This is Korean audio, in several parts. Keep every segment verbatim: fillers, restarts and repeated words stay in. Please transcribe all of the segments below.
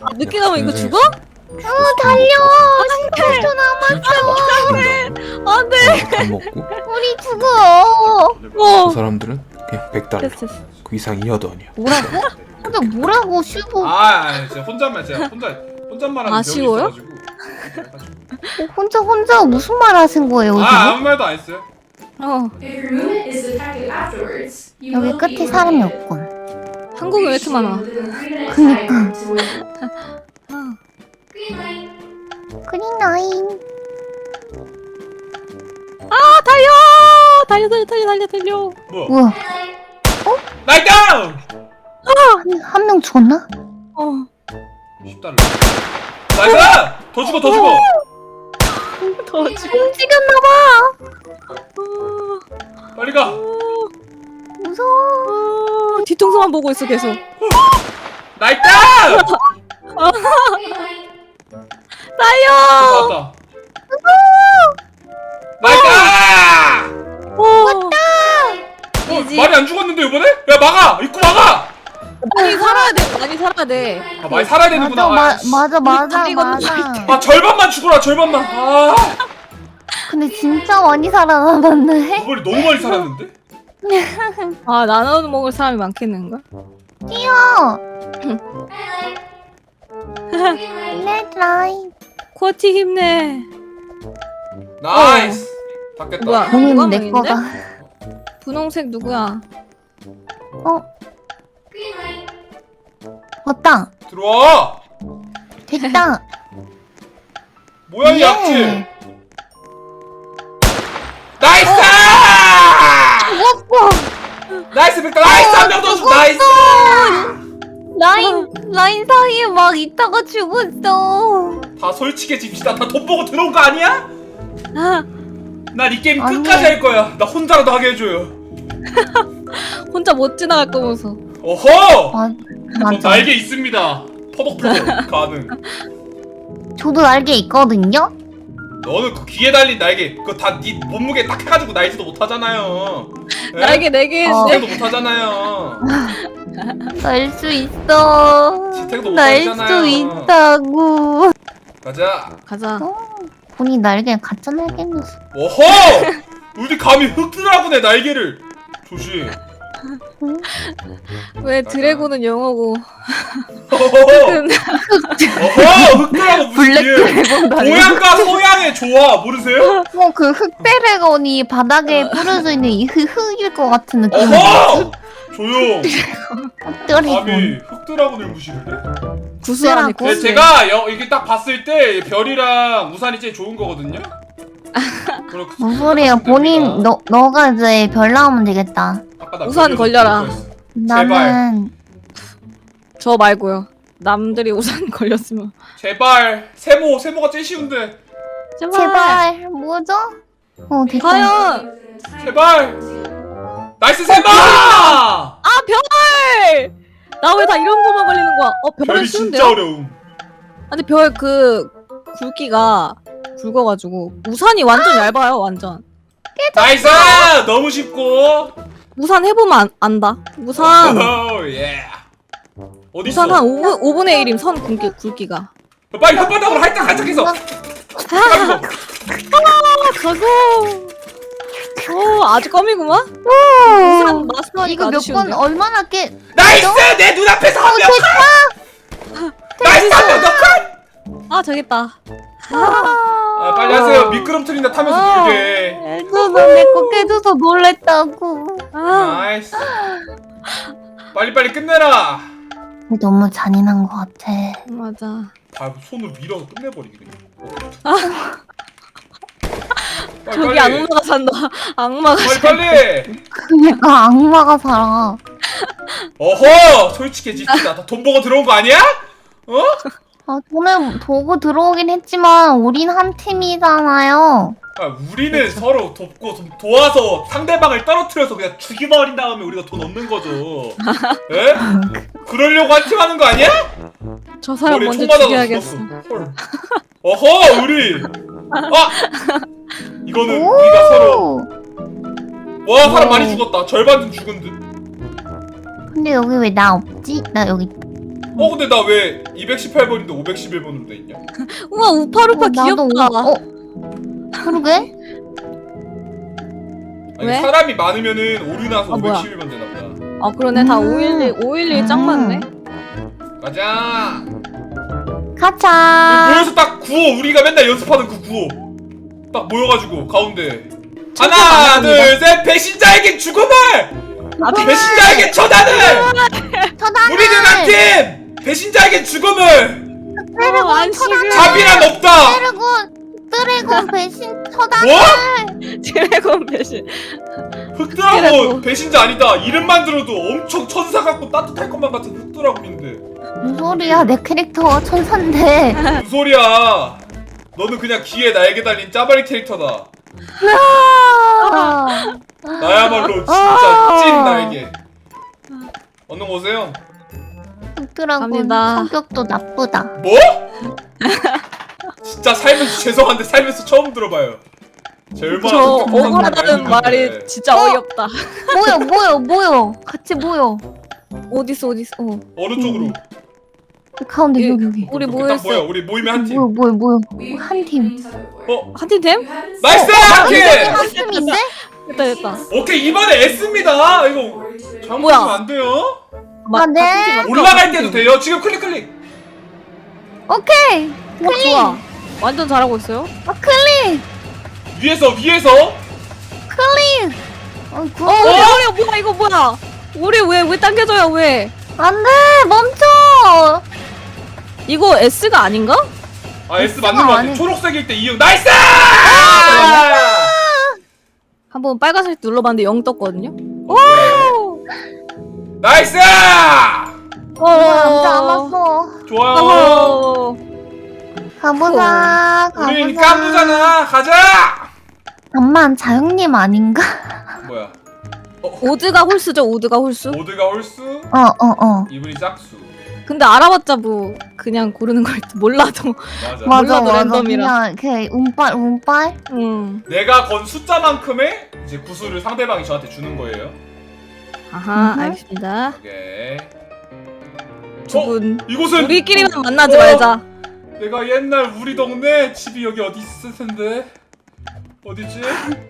늦게 가면 이거 죽어? 어 달려. 십팔 초 남았어. 안돼. 밥 먹고 우리 죽어. 그 어. 사람들은 그냥 백 달러 됐어, 됐어. 그 이상이어도 아니야. 뭐라고? 근데 뭐라고 슈퍼? 아, 아 진짜 혼잣말 제가 혼자 혼잣말하는 아쉬워요? 병이 있어가지고. 혼자 혼자 무슨 말 하신 거예요 지금? 아 아무 말도 안 했어요. 어. 여기 끝에 사람이 없군. 한국에 왜 이렇게 많아? 그니까. 아. 그린라인. 아 달려! 달려 달려 달려 달려 달려. 뭐? 뭐야? 나이트 다운! 한 명 죽었나? 어. 십 달러. 나이스! 더 죽어 더 죽어. 더 지금. 움직였나봐. 어. 빨리 가. 무서워. 어. 뒤통수만 보고 있어 계속. 나이트 다운! 달려. 나왔다. 나이트! 어. 어, 이지. 많이 안 죽었는데 이번에? 야 막아! 입구 막아! 많이 살아야 돼. 많이 살아야 돼. 아 많이 살아야 되는구나. 맞아 마, 아, 씨. 맞아 맞아 다리 건너갈 맞아. 아 절반만 죽어라 절반만. 아 근데 진짜 많이 살아남았네. 이번에 너무 많이 살았는데? 아 나눠 먹을 사람이 많겠는걸? 뛰어. 레드라인. 코티 힘내. 나이스. 다 깼다. 뭐야? 누가 본인 내 망했는데? 거다. 분홍색 누구야? 어. 왔다. 들어와. 됐다. 뭐야 이 예. 약질. 나이스! 죽었어. 나이스 백달 나이스 한 명 더 주. 나이스. 라인 라인 사이에 막 있다가 죽었어. 다 솔직해집시다. 다 돈 보고 들어온 거 아니야? 아, 난 이 게임 아니. 끝까지 할 거야. 나 혼자라도 하게 해줘요. 혼자 못 지나갈 거면서. 어허! 아, 전 맞아. 날개 있습니다. 퍼벅퍼벅 가능. 저도 날개 있거든요. 너는 그 귀에 달린 날개 그거 다 네 몸무게 딱 해가지고 날지도 못하잖아요. 예? 날개 네 개 어. 있는데. 지탱도 못하잖아요. 날 수 있어. 지탱도 날 못하잖아요. 수 있다고. 가자. 가자. 어, 본인 날개 가짜 날개였어. 오호! 우리 감히 흑드라군의 날개를 조심. 왜 드래곤은 영어고. 어허! 어허! 흑드라군 무슨 블랙 일? 드래곤 날개. 동양과 서양의 조화 모르세요? 뭐그 흑드래곤이 바닥에 뿌려져 있는 이 흑, 흑일 것 같은 느낌. 어허! 조용. 흑드래곤. 감히 흑드라군을 무시를 해? 구수하네. 네, 네, 구수해. 제가 여, 이게 딱 봤을 때 별이랑 우산이 제일 좋은 거거든요. 그럼 그- 뭔 소리야? 본인 너 너가 이제 별 나오면 되겠다. 아까 나 우산 별이어서 걸려라. 그랬어. 나는 저 말고요. 남들이 우산 걸렸으면. 제발 세모 세모가 제일 쉬운데 제발. 제발 뭐죠? 어 됐다. 과연. 제발 나이스 세모! 아 별! 나 왜 다 이런 거만 걸리는 거야? 어 별은 별이 쉬운데요? 진짜 어려움. 아니 별 그 굵기가 굵어가지고 우산이 완전 얇아요 완전. 나이스! 너무 쉽고. 우산 해보면 안, 안다. 우산 오, 예. 어디 있어? 우산 한 오 분의 일임 선 굵기, 굵기가. 빨리 혓바닥으로 할짝 할짝해서. 아 저거. 어 아주 껌이구만. 우산 마스터니까 이거 아주 몇 번 쉬운데. 얼마나 깨? 나이스! 내 눈앞에서 한 명. 나이스 한명 더. 아 저겠다. 아, 빨리 하세요. 미끄럼틀이나 타면서 아. 놀게. 너도 내거 깨줘서 놀랬다고. 아 나이스. 빨리 빨리 끝내라. 너무 잔인한 것 같아. 맞아. 아, 손으로 밀어서 끝내버리게. 빨리, 저기 빨리. 악마가 산다. 악마가. 빨리 빨리. 그러니까 악마가 살아. 어허, 솔직해집시다. 다 돈 보고 들어온 거 아니야? 어? 아, 돈을 보고 들어오긴 했지만 우린 한 팀이잖아요. 아, 우리는 서로 돕고 좀 도와서 상대방을 떨어뜨려서 그냥 죽여버린 다음에 우리가 돈 얻는 거죠. 에? 그러려고 한 팀 하는 거 아니야? 저 사람 머리에 먼저 총 맞아서 죽여야겠어. 죽었어. 헐. 어허, 우리. 아, 이거는 오! 우리가 서로. 와, 사람 많이 오. 죽었다. 절반 좀 죽은 듯. 근데 여기 왜 나 없지? 나 여기. 어 근데 나 왜 이백십팔 번인데 오백십일 번으로 돼 있냐? 우와 우파루파 어, 나도 귀엽다. 오- 어? 그러게? 아니 왜? 사람이 많으면은 오류 나서 아, 뭐야. 오백십일 번 되나 보다. 아 그러네 다 음. 오일일 오일일 짱 많네. 가자. 가자. 모여서 딱 구호 우리가 맨날 연습하는 그 구호 딱 모여가지고 가운데 절대 하나 안 합니다. 둘셋 배신자에게 죽음을 아 배신자에게 처단을 처단을. 우리는 한 팀 배신자에게 죽음을 드래곤 안식을. 자비란 없다. 드래곤 드래곤 배신 처단. 뭐? 드래곤 배신. 흑드라곤 배신자 아니다. 이름만 들어도 엄청 천사 같고 따뜻할 것만 같은 흑드라곤인데 무슨 소리야? 내 캐릭터 천사인데. 무슨 소리야. 너는 그냥 귀에 날개 달린 짜바리 캐릭터다. 아. 나야말로 진짜 찐 날개. 얼른 오세요. 드래곤 갑니다. 성격도 나쁘다. 뭐? 진짜 살면서 죄송한데 살면서 처음 들어봐요. 제 얼마나 저 성격 상담을 억울하다는 많이 말이 듣는데. 진짜 어? 어이없다. 모여 모여 모여. 같이 모여. 어딨어 어딨어. 어. 어느 쪽으로? 그 가운데 이- 여기 여기. 우리 딱 모였어. 모여. 우리 모이면 한 팀. 모여 모여 모여. 한 팀. 어? 한 팀 됨? 나이스! 한 팀! 한 팀인데? 됐다 됐다. 오케이 이번에 S입니다. 이거 뭐야? 잘못하면 안 돼요. 마- 아, 네. 같은 팀 맞죠? 올라갈 때도 돼요. 지금 클릭 클릭. 오케이. 어, 좋아. 완전 잘하고 있어요. 아 클릭 위에서 위에서. 클릭. 어 어, 구. 우리 우리 뭐야 이거 뭐야? 우리 왜 왜 당겨져요 왜? 안돼 멈춰. 이거 S가 아닌가? 아 S S가 맞는 거 같아. 아니- 초록색일 때 이응. 나이스! 한번 빨간색 눌러봤는데 영 떴거든요. 오! 나이스! 어. 남자 안 왔어. 좋아요. 어허. 가보자. 가보자. 우린 깐부잖아. 가자. 잠만 자영님 아닌가? 뭐야? 오드가 홀수죠 오드가 홀수. 모드가 홀수, 어어 어. 어. 이분이 짝수. 근데 알아봤자 뭐 그냥 고르는 걸 몰라도. 맞아. 맞아 몰라도 맞아. 랜덤이라. 그냥 그 운빨 운빨. 음. 내가 건 숫자만큼의 이제 구슬을 상대방이 저한테 주는 거예요. 아하 음흠. 알겠습니다. 오케이. 두 분 이곳은 우리끼리만 만나지 어. 말자. 내가 옛날 우리 동네 집이 여기 어디 있을 텐데. 어디지?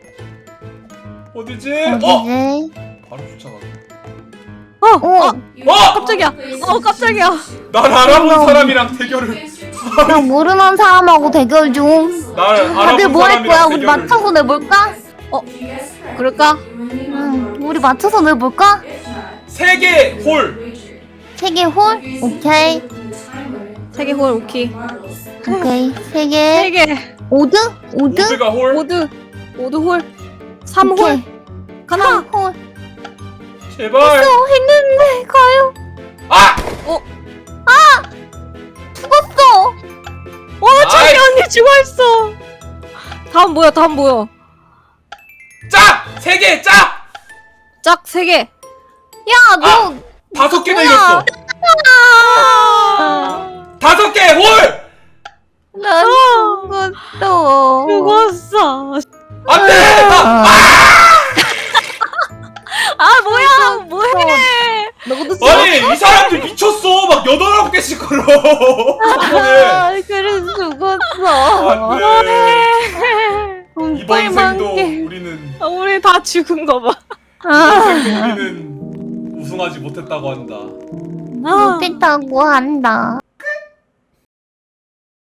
어디지? 어? 어디지? 바로 쫓아가네. 어, 어. 어, 어! 깜짝이야. 어, 깜짝이야. 날 알아본 사람이랑 대결을. 그냥 모르는 사람하고 대결 중. 날 알아본 다들 뭐 할 거야? 사람이랑 우리 대결을. 맞춰서 내볼까? 그럴까? 응. 우리 맞춰서 내볼까? 세개 홀. 세개 홀? 오케이. 세개 홀 오케이. 오케이. 세 개. 세 개. 오드? 오드? 오드가 홀. 오드. 오드 홀. 삼 오케이. 홀. 가나. 홀. 제발. 어, 했는데 가요. 아! 죽었어. 어, 자기 아이. 언니 죽어있어. 다음 뭐야? 다음 뭐야? 짝! 세 개! 짝! 짝 세 개. 야, 너. 아. 다섯 개 뭐야? 내렸어. 아, 다섯 개 홀! 난 죽었어. 죽었어. 안 돼! 아! 아 뭐야? 뭐해? 너도 아니 이 사람들 미쳤어. 막 여덟 아홉 개씩 걸어. 아, 그래서 죽었어. 안돼. 이번 운빨만 생도 게. 우리는 아, 우리 다 죽은 거 봐. 이번 생도 우리는 우승하지 못했다고 한다. 아. 못했다고 한다.